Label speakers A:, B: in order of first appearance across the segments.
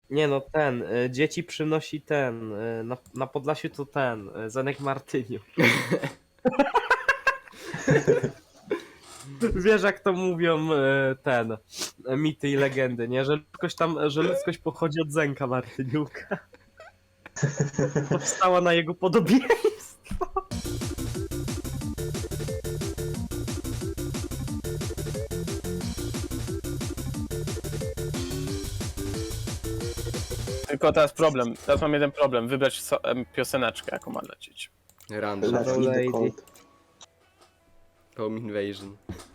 A: Nie no, dzieci przynosi na Podlasiu to Zenek Martyniuk. Wiesz jak to mówią mity i legendy, nie? Że ludzkość pochodzi od Zenka Martyniuka. Powstała na jego podobieństwo.
B: Tylko teraz mam jeden problem, wybrać pioseneczkę, jaką ma lecieć.
C: Random.
A: Left
C: Home
A: Lady.
C: Invasion.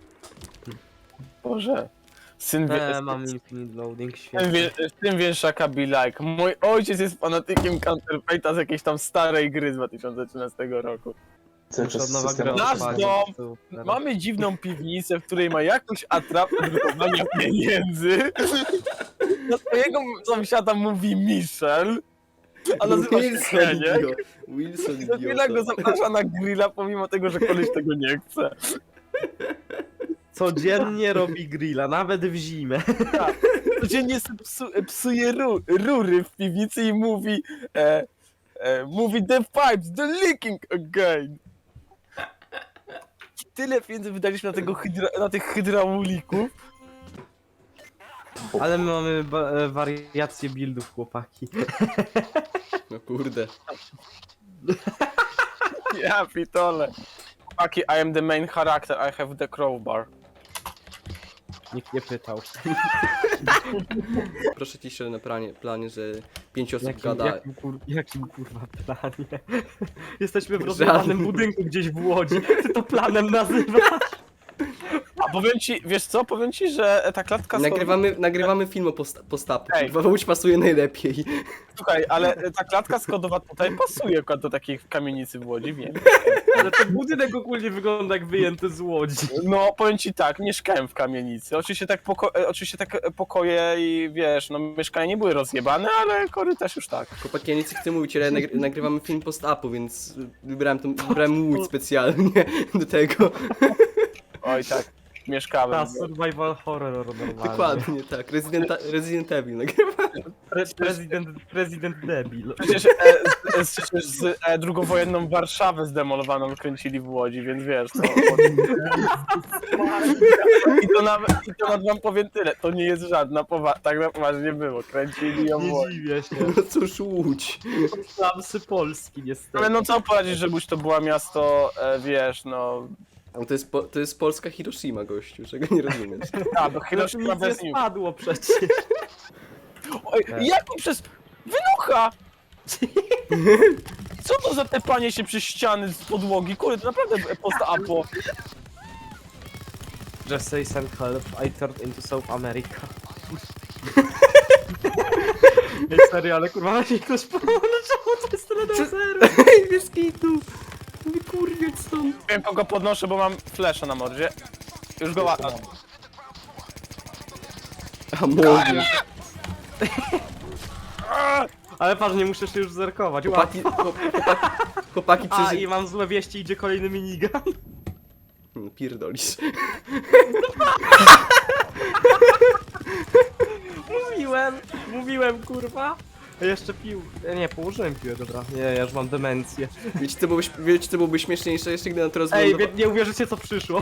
B: Boże.
A: Mam Infinite Loading,
B: Syn,
A: świetnie.
B: syn wieszaka be like. Mój ojciec jest fanatykiem Counterfeite'a z jakiejś tam starej gry z 2013 roku.
A: Muszę od nowa gra
B: Nasz
A: odpalić.
B: dom! Mamy dziwną piwnicę, w której ma jakąś atrapę drukowania pieniędzy. Do swojego sąsiada mówi Michel, a nazywa się Heniek.
C: Wilson
B: I za chwilę go zaprasza na grilla, pomimo tego, że koleś tego nie chce.
A: Codziennie robi grilla, nawet w zimę.
B: Codziennie psuje rury w piwnicy i mówi mówi the pipes, the leaking again. Tyle pieniędzy wydaliśmy na tych hydraulików.
A: Ale my mamy wariacje buildów, chłopaki.
C: No kurde.
B: Ja pitole. Chłopaki, I am the main character, I have the crowbar.
A: Nikt nie pytał.
C: Proszę ci się na planie, że 5 osób gada.
A: Jakim kurwa planie? Jesteśmy w rozmawianym budynku gdzieś w Łodzi. Ty to planem nazywasz?
B: A powiem ci, wiesz co, powiem ci, że ta klatka
C: Nagrywamy film o postapu.
B: Ej.
C: Kurwa, Łódź pasuje najlepiej.
B: Słuchaj, ale ta klatka skodowa tutaj pasuje akurat do takiej kamienicy w Łodzi, wiem.
A: Ale ten budynek ogólnie wygląda jak wyjęty z Łodzi.
B: No, powiem ci tak, mieszkałem w kamienicy. Oczywiście tak pokoje i wiesz, no mieszkania nie były rozjebane, ale korytarz już tak.
C: Chłopaki, ja nic nie chcę mówić, ale nagrywamy film postapu, więc wybrałem Łódź specjalnie do tego.
B: Oj tak, mieszkałem.
A: Ta survival horror normalnie.
C: Dokładnie, tak. Resident Evil nagrywamy.
A: Prezydent debil.
B: Przecież z drugowojenną Warszawę zdemolowaną kręcili w Łodzi, więc wiesz, to... I to nawet wam powiem tyle, to nie jest żadna tak na poważnie było, kręcili ją w
A: Nie
B: Łodzi.
A: dziwię się.
C: No cóż, Łódź.
A: Slamsy Polski niestety.
B: Ale no co poradzić, że Łódź to była miasto, wiesz, no...
C: No to jest polska Hiroshima, gościu, czego nie rozumiesz.
B: A, do Hiroshima
A: Nic nie
B: bez nim.
A: spadło przecież.
B: Oj, jak mi przez... Wynocha! Co to za tepanie się przez ściany z podłogi? Kurde, to naprawdę post-apo.
A: Just say send help, I turned into South America. Ej, serio, ale kurwa, ma się ktoś pomógł, czemu to jest tyle do zero?
C: Ej, bez kitu. Wykurwiać stąd.
B: Wiem, kogo podnoszę, bo mam flasha na mordzie. Już go łatam.
C: A może.
A: Ale patrz, nie muszę się już zerkować.
C: Chłopaki
A: A,
C: przeżyli.
A: i mam złe wieści, idzie kolejny minigun.
C: Pierdolisz.
A: Mówiłem, kurwa. A jeszcze pił. Nie, położyłem piłę, dobra. Nie, ja już mam demencję.
C: Wiecie co byłoby śmieszniejsze jeszcze, gdy na to
A: Ej,
C: rozwylądowało?
A: nie uwierzycie co przyszło.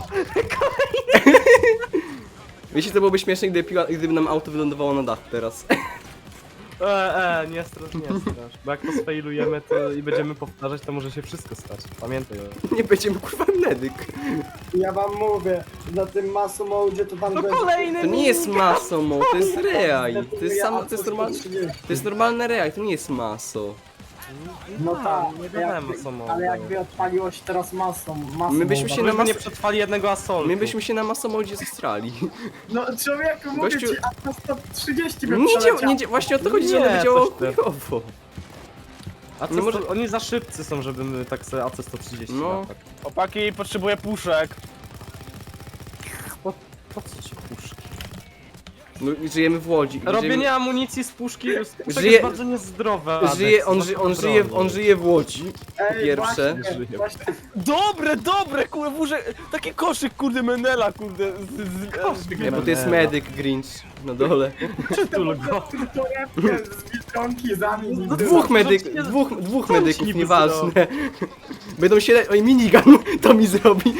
C: Wiecie co byłoby śmieszne, gdyby nam auto wylądowało na dachu teraz.
A: Nie strasz. Bo jak to sfailujemy to i będziemy powtarzać, to może się wszystko stać. Pamiętaj o tym.
C: Nie będziemy kurwa medyk.
D: Ja wam mówię, na tym masu modzie to tam
A: To
D: będzie...
A: kolejny
C: To nie jest maso, mo, to jest reaj. To jest
D: Ja
C: to jest normalne reaj, to nie jest maso.
D: No tak,
A: nie gadałem o samochodzie.
D: ale jakby odpaliło się teraz masą
C: My byśmy się na
A: nie przetrwali jednego asoltu.
C: My byśmy się na masomodzie zestrali.
D: No człowieku, mówię
C: Gościu-
D: ci, a na 130 by
C: Nie
D: przeleciał.
C: właśnie o to chodzi, że
A: Nie,
C: ono działało
A: coś ty.
C: chujowo.
A: No
C: może-
A: oni za szybcy są, żeby my tak sobie AC-130
C: No.
A: latać.
B: Chłopaki, potrzebuję puszek.
A: Po co ci puszki?
C: No, żyjemy w Łodzi.
A: Robienie amunicji z puszki
C: Żyje-
A: jest bardzo niezdrowe. Alex,
C: On żyje w Łodzi.
D: Ej,
C: Pierwsze.
D: Właśnie,
B: Dobre, kurde, wóżę, taki koszyk, kurde, Menela, kurde.
C: Nie, bo to jest medyk Grinch na dole.
A: Przytul go.
D: torebkę z Biedronki zamień.
C: Dwóch
A: Co on ci
C: medyków,
A: niby
C: nieważne. Będą się... Oj, minigun to mi zrobi.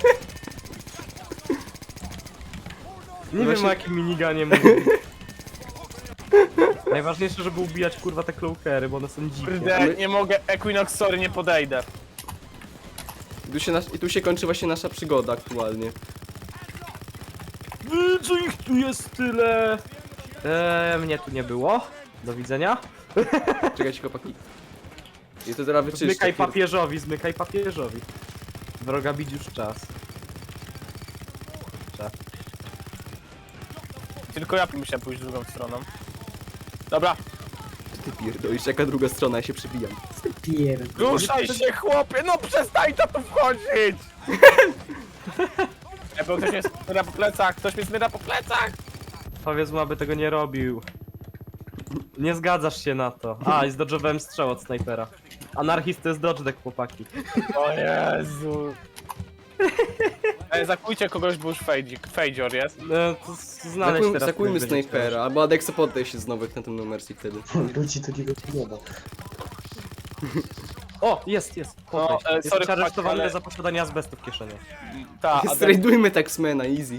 A: Nie
C: Właśnie-
A: wiem o jakim miniganie mówię. Najważniejsze, żeby ubijać kurwa te cloakery, bo one są dzikie.
B: Kurde, nie mogę, Equinox, sorry, nie podejdę.
C: I tu się kończy właśnie nasza przygoda aktualnie.
A: Co ich tu jest tyle? Mnie tu nie było. Do widzenia.
C: Czekajcie, chłopaki. I to zaraz wyczyszczę.
A: Zmykaj papieżowi. Wroga bić już czas.
B: Tylko ja musiałem pójść drugą stroną. Dobra,
C: Ty pierdolisz, jaka druga strona, ja się przybijam.
B: ruszaj się, chłopie, no przestań to tu wchodzić! Bo ktoś mnie smyra po plecach,
A: Powiedz mu, aby tego nie robił. Nie zgadzasz się na to. A, i zdodżowałem strzał od snajpera. Anarchist to jest dodge deck, chłopaki.
B: O Jezu. Zakujcie kogoś, bo już fejdzior jest.
A: To znaleźć teraz.
C: Zakujmy
A: ktoś będzie
C: snajpera, albo Adexo poddaj się znowu jak na tym numercji wtedy.
D: Ludzi to nie wygląda.
A: chciał. O, jest.
B: No,
A: Jest
B: sorry,
A: aresztowany
B: chłopaki, ale-
A: za posiadanie azbestu w kieszeni.
B: Ta,
C: Strajdujmy Taxmana, easy.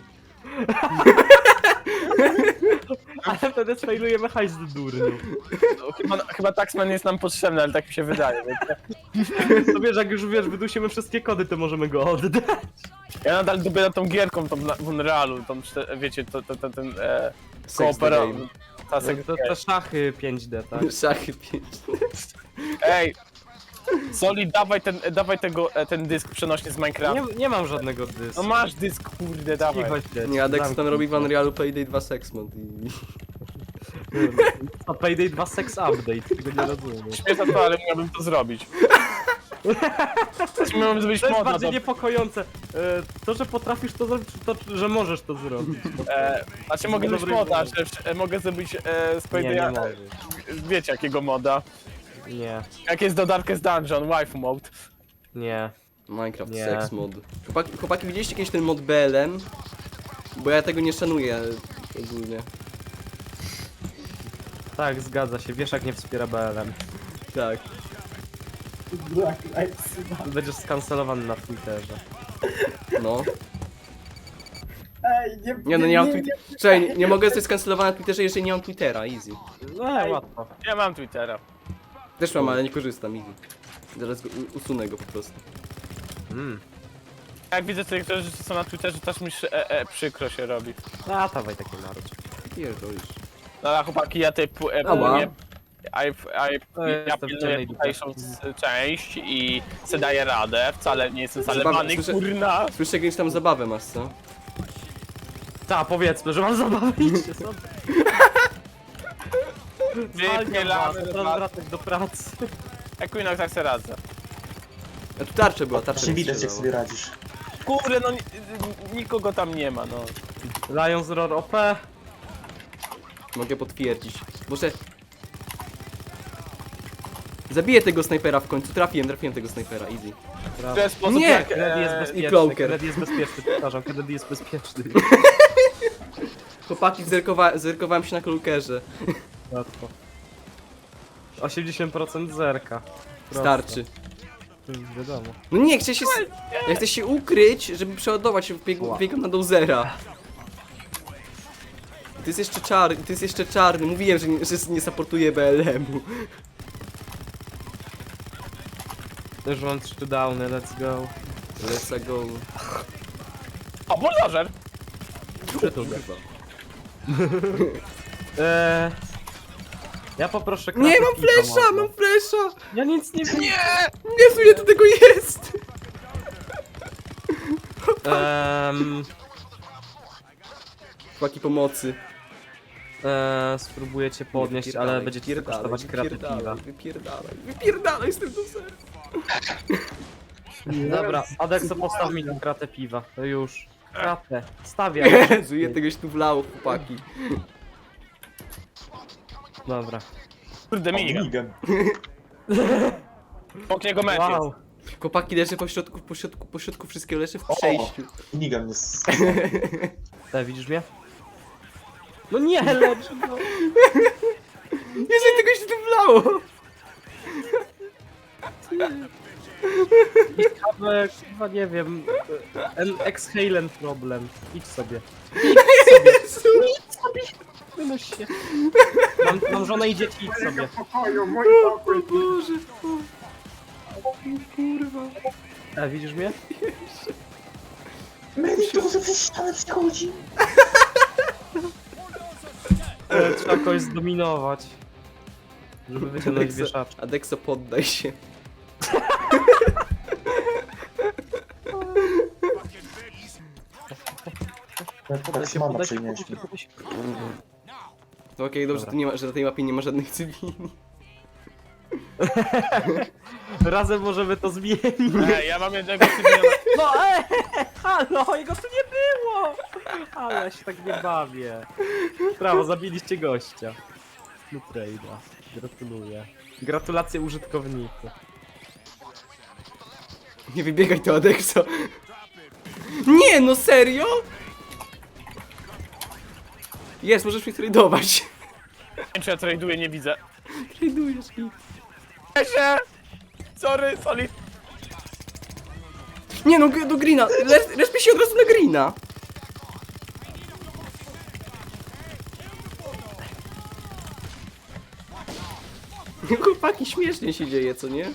A: Ale wtedy sfailujemy hajs do durniu.
B: chyba Taxman jest nam potrzebny, ale tak mi się wydaje. Wiecie?
A: To wiesz, jak już wydusimy wszystkie kody, to możemy go oddać.
B: Ja nadal dubię nad tą gierką, tą w Unrealu, wiecie, ten
C: Sex
B: koopera...
C: the game.
B: Ta
A: Te szachy 5D, tak?
C: Szachy 5.
B: Ej! Soli, dawaj ten dysk przenośny z Minecrafta.
A: Nie mam żadnego dysku.
B: No masz dysk, kurde, dawaj.
A: Cicho siedź.
C: Nie, Adexo tam
A: Zamknij
C: robi w
A: to.
C: Unrealu Payday 2 Sex Mod i...
A: To Payday 2 Sex Update, tego nie rozumiem.
B: Śmieszne to, ale miałbym to zrobić. Miałbym zrobić
A: To jest
B: moda,
A: bardziej
B: to...
A: niepokojące. To, że potrafisz to zrobić, to, że możesz to zrobić.
B: Znaczy mogę zrobić
A: Dobry
B: moda,
A: mod.
B: że mogę zrobić z
A: Nie, nie
B: Paydaya...
A: możesz.
B: Wiecie jakiego moda.
A: Nie,
B: Jak jest do Darkest Dungeon, waifu mode.
A: nie.
C: Minecraft
A: Nie.
C: Sex Mod. Chłopaki, widzieliście kiedyś ten mod BLM? Bo ja tego nie szanuję ogólnie.
A: Tak, zgadza się. Wiesz, jak nie wspiera BLM.
C: Tak.
D: Black Lives Matter.
A: Będziesz skancelowany na Twitterze.
C: No.
D: Ej,
C: Nie no, nie mam Czekaj, nie mogę zostać skancelowany na Twitterze, jeżeli nie mam Twittera, easy.
A: No, łatwo.
B: Ja mam Twittera.
C: Też mam, ale nie korzystam, easy. Zaraz go usunę go po prostu.
B: Jak widzę, że niektóre rzeczy są na Twitterze, też mi przykro się robi.
A: A, dawaj taki naród.
C: Pierdolisz.
B: Dobra, chłopaki, ja tej
C: Ała.
B: ja
A: jestem w
B: pilnuję
A: ciemnej
B: tutejszą część i se daję radę. Wcale nie jestem
C: Zabawa-
B: zalewany,
C: słyszę-
B: kurna.
C: Słyszę, jakąś tam zabawę masz, co?
A: Ta, powiedzmy, że mam zabawę. Idźcie sobie.
B: Wypielamy,
A: Teraz wracać do pracy.
B: Equinox, jak se radzę.
C: A tu tarcza była, tarcza
D: Właśnie
C: mi
D: widać jak
C: strzelała.
D: sobie radzisz.
B: Kurde, no nikogo tam nie ma, no.
A: Lions Roar OP.
C: Mogę potwierdzić. Muszę... Zabiję tego snajpera w końcu, trafiłem tego snajpera, easy.
B: W ten sposób
C: Nie!
B: jak,
A: Kennedy jest
C: I
A: bezpieczny,
C: Cloaker.
A: Kennedy jest bezpieczny, powtarzam, Kennedy jest bezpieczny.
C: Chłopaki, zerkowałem się na klukerze.
A: Łatwo. 80% zerka. Proste.
C: Starczy.
A: To już wiadomo.
C: No nie, ja chcę się ukryć, żeby przeładować, biegam na dozera. Ty jest jeszcze czarny, mówiłem, że nie supportuję BLM-u.
A: Już mam 3 downy, let's go.
C: Let's go.
B: O, buldożer!
A: Przytul go. Ja poproszę
C: Nie, mam
A: kratę piwa
C: flesza,
A: może.
C: mam flesza!
A: Ja nic nie wiem.
C: Jezu, ile tu tego jest! Chłopaki pomocy.
A: Spróbuję cię podnieść, ale będzie ci to kosztować kratę piwa.
C: Wypierdalaj z tym dozerem.
A: Dobra, Adexo, postaw mi tę kratę piwa. To już. Kratę. Stawiam.
C: Jezu, je tegoś tu wlało, chłopaki.
A: Dobra.
B: Kurde, minigun.
E: Minigun.
B: Obok niego mecz jest.
A: Wow.
C: Chłopaki leży po środku wszystkiego leży w przejściu.
E: Minigun jest...
A: Widzisz mnie? No nie, lecz go.
C: Jeżeli tegoś tu wlało!
A: Ale chyba nie wiem. Exhalen problem. Idź sobie.
C: Jezu!
A: Wymyśl się. Mam żonę i dzieci, idź sobie.
D: Mojego pokoju, mój pokój.
C: Boże, o kurwa.
A: Widzisz mnie?
E: Medyk to przez ścianę przechodzi.
A: Trzeba kogoś zdominować. Żeby wyciągnąć wieszaczkę.
C: Adexo, poddaj się.
E: Teraz się mama przynieśli.
C: No okej, dobrze,
A: Dobra.
C: to nie ma, że na tej mapie nie ma żadnych cywili.
A: Razem możemy to zmienić.
B: Ja mam jednego cywila.
A: No halo, jego tu nie było! Ale ja się tak nie bawię. Brawo, zabiliście gościa. No trade'a. Gratuluję. Gratulacje użytkowniku.
C: Nie wybiegaj to, Adexo. Nie, no serio? Jest, możesz mi tradeować.
B: Nie wiem, czy ja traduję, nie widzę.
C: Tradujesz mi.
B: Się! Sorry, Solid.
C: Nie no, do Greena. Respij się od razu na Greena. Chłopaki, śmiesznie się dzieje, co nie?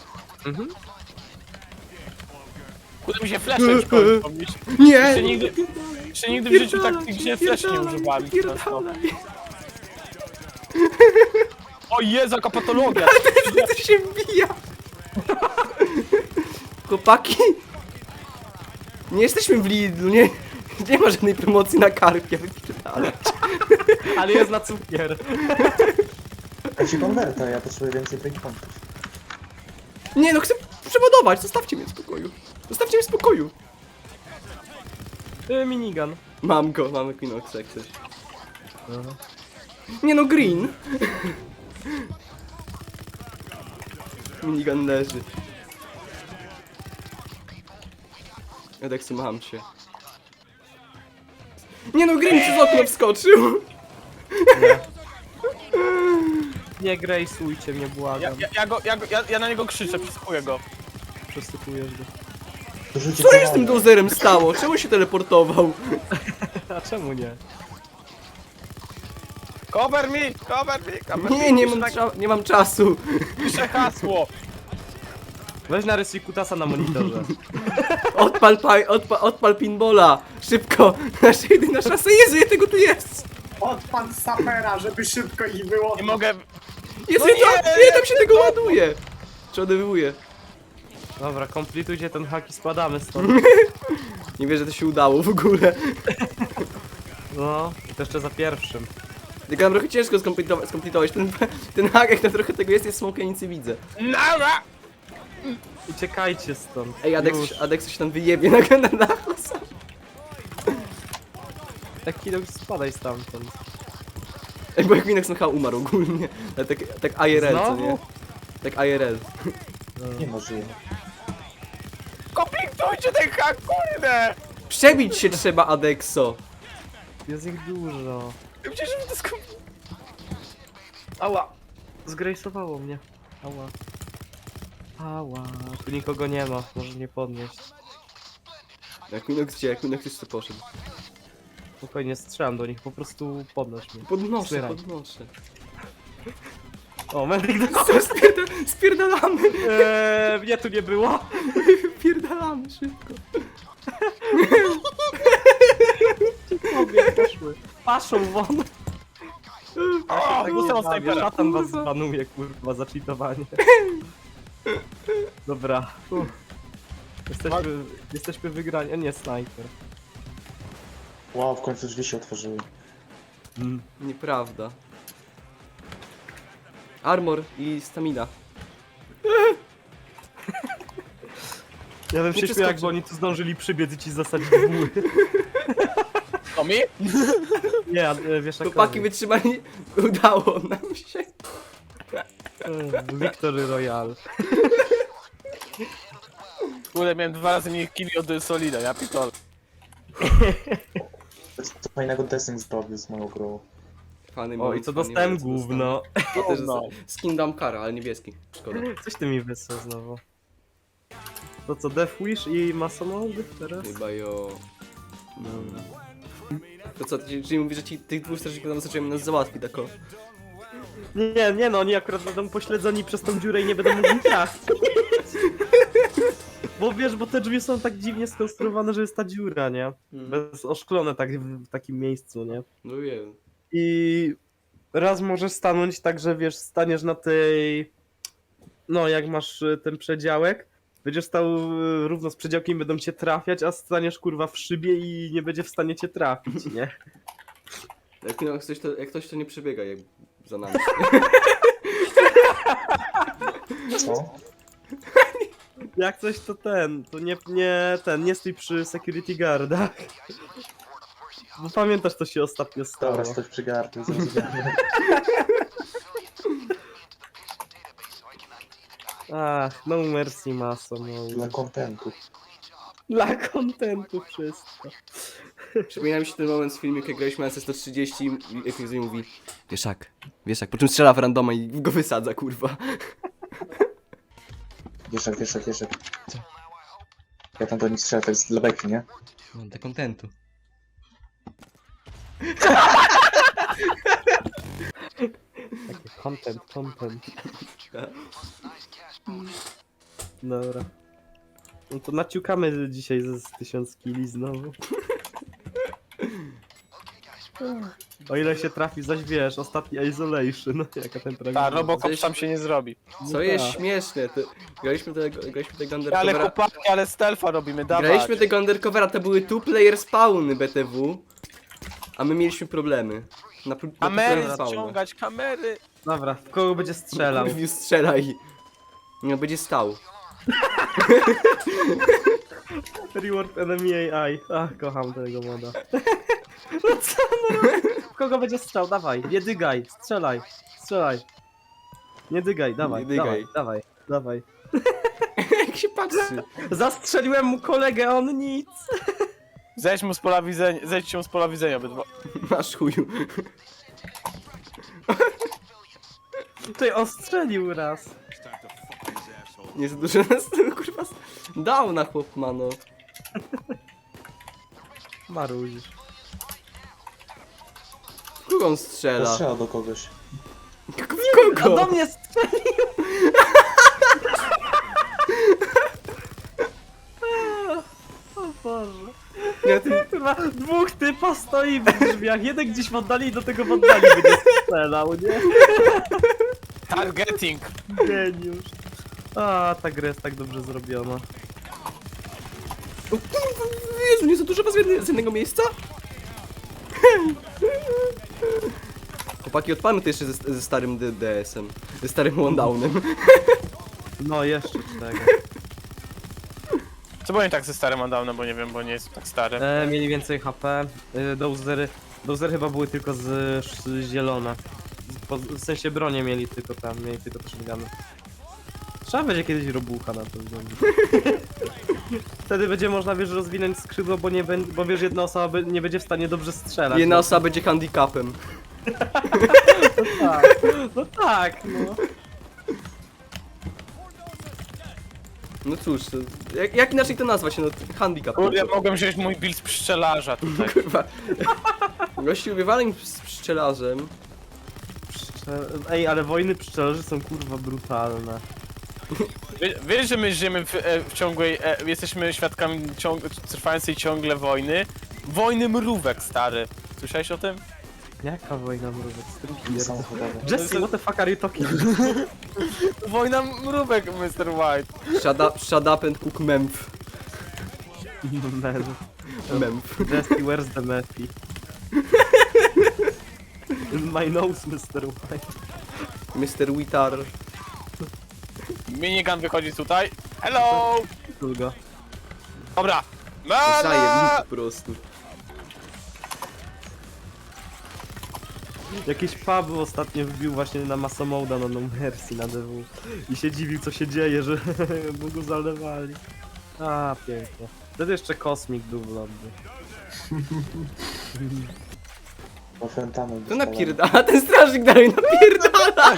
B: Kurde, mi się flash już pomnieć.
C: Nie!
B: Jeszcze nigdy w życiu tak gdzie flash nie używałem.
C: Pierdalaj.
B: O Jezu, jaka patologia!
C: To się wbija. Chłopaki. Nie jesteśmy w Lidlu, nie ma żadnej promocji na karpia, wypierdalać.
A: Ale jest na cukier.
E: Ja ci konwerta, ja potrzebuję więcej breakpointów.
C: Nie no, chcę przeładować, zostawcie mnie w spokoju. Zostawcie mnie w spokoju.
A: Minigun.
C: Mam go, mamy Quinoxa jak coś. Nie no, Green. Minigun leży. Edexu, mam cię. Nie no, Green przez okno wskoczył.
A: Nie grejsujcie mnie, błagam.
B: Ja na niego krzyczę, przysłuchuję go.
A: Przesypujesz go.
E: Dorzucie
C: Co się z tym dozerem stało? Czemu się teleportował?
A: A czemu nie?
B: Cover me, cover me, cover me.
C: Nie,
B: Piszę
C: nie mam czasu.
B: Piszę hasło.
A: Weź narysuj kutasa na monitorze.
C: Odpal pinbola. Szybko. Nasza jedyna szansa. Jezu, ile tego tu jest?
D: Odpad sapera, żeby szybko ich było.
B: Nie mogę...
C: Jezu,
B: No
C: ile tam się tego ładuje? Przeładowuje.
A: Dobra, komplitujcie ten hak i spadamy stąd.
C: Nie wierzę, że to się udało w ogóle.
A: No, i to jeszcze za pierwszym.
C: Tylko nam trochę ciężko skompletować. Ten hack, jak tam trochę tego jest smoke, ja nic nie widzę.
B: Nara!
A: Uciekajcie stąd.
C: Ej,
A: Już.
C: Adexu się tam wyjebie na dachu.
A: Taki no spadaj stamtąd.
C: Ej, bo jak Minox chyba umarł ogólnie. Ale tak IRL, co
A: Znowu?
C: nie? Tak IRL.
E: Nie ma żyje.
B: Komplitujcie ten hak, kurde!
C: Przebić się trzeba, Adexo.
A: Jest ich dużo.
B: Przecież mi to skupi...
A: Ała! Zgrejsowało mnie. Ała. Ała. Tu nikogo nie ma, może nie podnieść.
C: Jak Minox gdzie? Jak Minox jeszcze poszedł.
A: Spokojnie, strzelam do nich, po prostu podnoś mnie.
C: Podnoszę,
A: Wspieraj.
C: podnoszę.
A: O, medyk do...
C: Co, spierdalamy.
A: Mnie tu nie było.
C: Spierdalamy szybko.
A: Obie poszły. Paszą won.
B: O, jestem od snajpera.
A: Szatan was zbanuje, kurwa, za cheatowanie. Dobra. Jesteśmy wygrani, a nie snajper.
E: Wow, w końcu drzwi się otworzyły.
C: Nieprawda. Armor i stamina.
A: Ja bym się śmiał,
C: przeskoczy.
A: jakby oni tu zdążyli przybiec i ci zasadzić buły.
B: To mi?
A: Nie, wiesz jak
C: Chłopaki wytrzymali, udało nam się.
A: Victory Royale.
B: Kurde, miałem 2 razy mniej killi od Solida, ja pitol.
E: Co fajnego Destiny zrobił z moją grą.
C: Fany
A: O,
C: moi,
A: i co
C: fany
A: dostałem?
C: moi, co
A: Gówno.
C: dostałem. To też
B: Gówno.
C: dostałem. Skin Damkara, ale niebieski. Szkoda.
A: Coś ty mi wysłał znowu. To co, Death Wish i Masonoldy teraz?
C: Chyba jo. To co, czyli mówisz, że ci tych dwóch strażników nam zaczęły nas załatwi, tak o?
A: Nie, no oni akurat będą pośledzeni przez tą dziurę i nie będą mogli trafić. Bo wiesz, bo te drzwi są tak dziwnie skonstruowane, że jest ta dziura, nie? Bez oszklone tak w takim miejscu, nie?
C: No wiem.
A: I raz możesz stanąć tak, że wiesz, staniesz na tej... No, jak masz ten przedziałek, będziesz stał równo z przedziałkiem i będą cię trafiać, a staniesz kurwa w szybie i nie będzie w stanie cię trafić, nie?
C: Jak ktoś to nie przebiega jak za nami.
E: Co?
A: Jak coś to to nie stój przy security guardach. Bo pamiętasz, co się ostatnio stało.
E: Dobra, stać przy gardle, zrozumiałem.
A: Ach, no mercy maso, no.
E: Dla kontentu.
A: Dla kontentu wszystko.
C: Przypomina mi się ten moment z filmiku, jak graliśmy na C130 i Epizy mówi Wieszak, po czym strzela w randoma i go wysadza, kurwa.
E: Wieszak. Ja tam do nich strzelę, to jest dla beki, nie?
C: No, dla kontentu.
A: Taki content. Dobra. No to naciukamy dzisiaj ze 1000 kili znowu. O ile się trafi, zaś wiesz, ostatni Isolation, no jaka temperatura.
B: Ta, Robocop tam się nie zrobi.
C: Co jest śmieszne, to graliśmy tego
B: Ale
C: undercovera.
B: chłopaki, ale stealtha robimy, dawaj.
C: Graliśmy tego undercovera, to były two-player spawny BTW, a my mieliśmy problemy. Na
B: Kamery
C: two-player spawny.
B: ściągać, kamery.
A: Dobra, w kogo będzie strzelał?
C: Kurwiu, strzelaj. No, będzie stał.
A: Reward enemy AI. Ach, kocham tego moda. No co no robi? W kogo będzie strzał? Dawaj, nie dygaj, strzelaj. Nie dygaj, dawaj,
C: Nie dygaj.
A: dawaj.
C: Jak się patrzy.
A: Zastrzeliłem mu kolegę, a on nic.
B: Zejdźcie mu z pola widzenia obydwa.
C: Masz chuju.
A: Tutaj ostrzelił raz.
C: Nie za dużo nas, kurwa, dał na chłop, mano.
A: Marudzisz.
C: W kogo on
E: To
C: strzela?
E: strzela do kogoś.
C: W
A: A
C: kogo?
A: do mnie strzelił! O Boże.
C: Ja tym...
A: Chyba dwóch typa stoi w drzwiach. Jeden gdzieś w oddali i do tego w oddali będzie strzelał, nie?
B: Targeting.
A: Geniusz. A, ta gra jest tak dobrze zrobiona.
C: O kurwa, Jezu, nie za dużo was z jednego miejsca? Chłopaki, odpalmy to jeszcze ze starym DDS-em. Ze starym Wandownem.
A: No, jeszcze czego.
B: Co powiem tak ze starym Adamem, bo nie wiem, bo nie jest tak stary.
A: Mieli więcej HP. Dozery chyba były tylko z zielone. W sensie bronie mieli tylko tam, mieli tylko te shotguny. Trzeba będzie kiedyś robucha na to wziąć. Wtedy będzie można, wiesz, rozwinąć skrzydło, bo wiesz, jedna osoba nie będzie w stanie dobrze strzelać.
C: Jedna osoba będzie handicapem.
A: Tak. No tak, no.
C: No cóż, to, jak inaczej to nazwać? No, handicap.
B: Kurde, ja mogłem wziąć mój build z pszczelarza tutaj.
C: Kurwa. Gościu, wywaleń z pszczelarzem.
A: Ej, ale wojny pszczelarzy są kurwa brutalne.
B: Wiesz, że my żyjemy w ciągłej, jesteśmy świadkami trwającej ciągle wojny? Wojny mrówek, stary. Słyszałeś o tym?
A: Jaka wojna mrówek?
E: Samochodowe.
A: Jesse, what the fuck are you talking?
B: Wojna mrówek, Mr. White.
C: Shut up and cook memph.
A: Man.
C: Memph.
A: Jesse, where's the Mephi? In my nose, Mr. White.
C: Mr. Witar.
B: Minigun wychodzi tutaj. Hello!
A: Długo.
B: Dobra.
C: Zajebnik po prostu.
A: Jakieś Pablo ostatnio wbił właśnie na Masomoda na No Mercy na DW i się dziwił co się dzieje, że bo go zalewali. A, pięknie. Wtedy jeszcze Kosmik był w lobby.
E: Bo frontanem
C: To napierdala, ten strażnik dalej napierdala!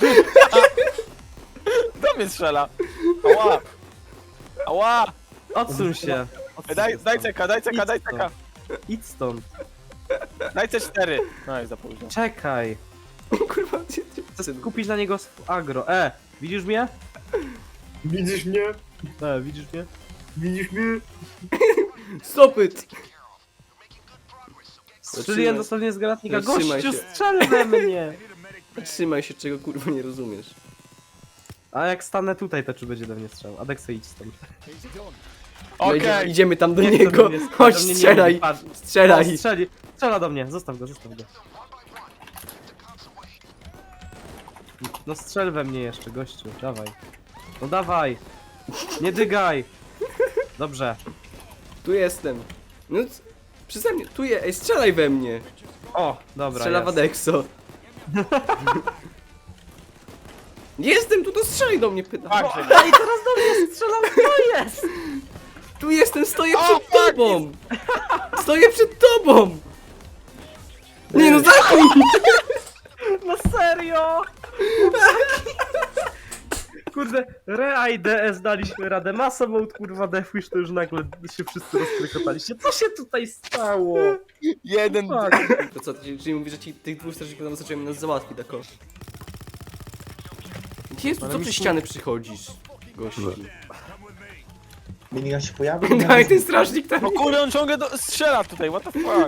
B: Kto mnie strzela? Ała! Ała!
A: Odsuń się! Odsuń
B: Daj,
A: się
B: daj
A: stąd.
B: ceka, daj ceka,
A: Idź
B: daj
A: stąd.
B: ceka!
A: Idź stąd.
B: Daj C4! No i za późno.
A: Czekaj.
C: Kurwa,
A: Chcę kupić na niego agro. Widzisz mnie?
D: Widzisz mnie?
A: Widzisz mnie?
D: Widzisz mnie?
C: Stop it!
A: Strzeliłem dosłownie z granatnika.
C: Zatrzymaj
A: Gościu,
C: się.
A: strzel we mnie!
C: Trzymaj się, czego kurwa nie rozumiesz.
A: A jak stanę tutaj, to czy będzie do mnie strzelał? Adekso, idź stąd.
C: No
B: Okej!
C: idziemy tam do
A: Nie chcę
C: niego.
A: do mnie strzelać,
C: Chodź,
A: do mnie nie
C: strzelaj!
A: lubi, patrz.
C: Strzelaj!
A: O, strzela do mnie, zostaw go, zostaw go. No strzel we mnie jeszcze, gościu, dawaj. No dawaj! Nie dygaj! Dobrze.
C: Tu jestem. No, przeze mnie, tu je, ej, strzelaj we mnie!
A: O, dobra,
C: Strzela w
A: jest.
C: Adexo. Jestem tu, to strzelaj do mnie, pyta.
B: Fakt, że nie.
A: Ej, teraz do mnie strzelał, to jest!
C: Tu jestem, stoję przed tobą! Stoję przed tobą! Nie no, zachuj!
A: No serio! Kurde, Rea i DS daliśmy radę. Masa mode, kurwa, Deathwish, to już nagle się wszyscy rozkrykotaliście. Co się tutaj stało?
B: Jeden...
A: Fuck.
C: To co, czyli mówisz, że ci tych dwóch strażników tam zaczęły nas załatwić, tako? Gdzie jest tu, co przez ściany przychodzisz, gościu?
E: Minigun się pojawił.
C: Daj, ten strażnik tam.
B: No kurde, on ciągle strzela tutaj, what the fuck?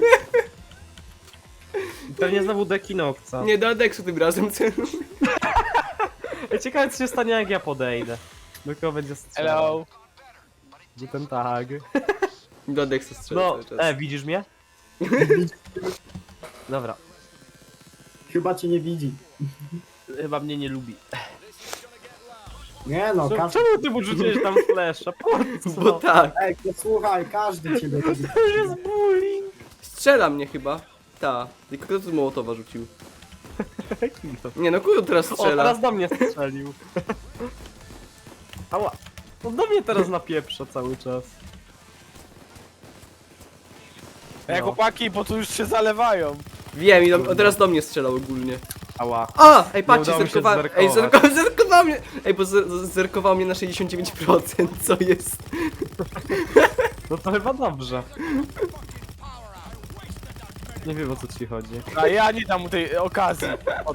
A: Pewnie znowu Dekinokca.
C: Nie do Adexu tym razem, celu.
A: Ciekawe, co się stanie, jak ja podejdę. Do kogo będzie strzelał?
B: Hello?
A: Gdzie ten tag?
C: Do Adexu strzela
A: No,
C: cały czas.
A: widzisz mnie? Dobra,
D: Chyba cię nie widzi.
A: chyba mnie nie lubi.
D: Nie no, każdy...
A: Czemu ty mu rzuciłeś tam flesza? Po co?
C: Bo tak.
D: Ej, to słuchaj, każdy ciebie lubi.
A: To już jest bullying.
C: Strzela mnie chyba. Ta. Tylko kto tu Mołotowa rzucił? Nie no, kto teraz
A: O,
C: strzela?
A: teraz do mnie strzelił. Ała. On do mnie teraz napieprza cały czas.
B: Ej, chłopaki, bo tu już się zalewają.
C: Wiem, i teraz do mnie strzelał ogólnie.
A: Ała.
C: A! Ej, patrzcie,
A: udało mi się
C: zerkował. Ej,
A: zerkować.
C: zerkował mnie! Ej, bo zerkował mnie na 69%, co jest?
A: No to chyba dobrze. Nie wiem, o co ci chodzi.
B: A ja nie dam mu tej okazji.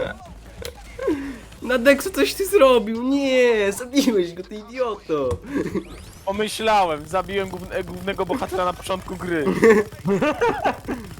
C: Na Dexu coś ty zrobił! Nie! Zabiłeś go, ty idioto!
B: Pomyślałem, zabiłem głównego bohatera na początku gry.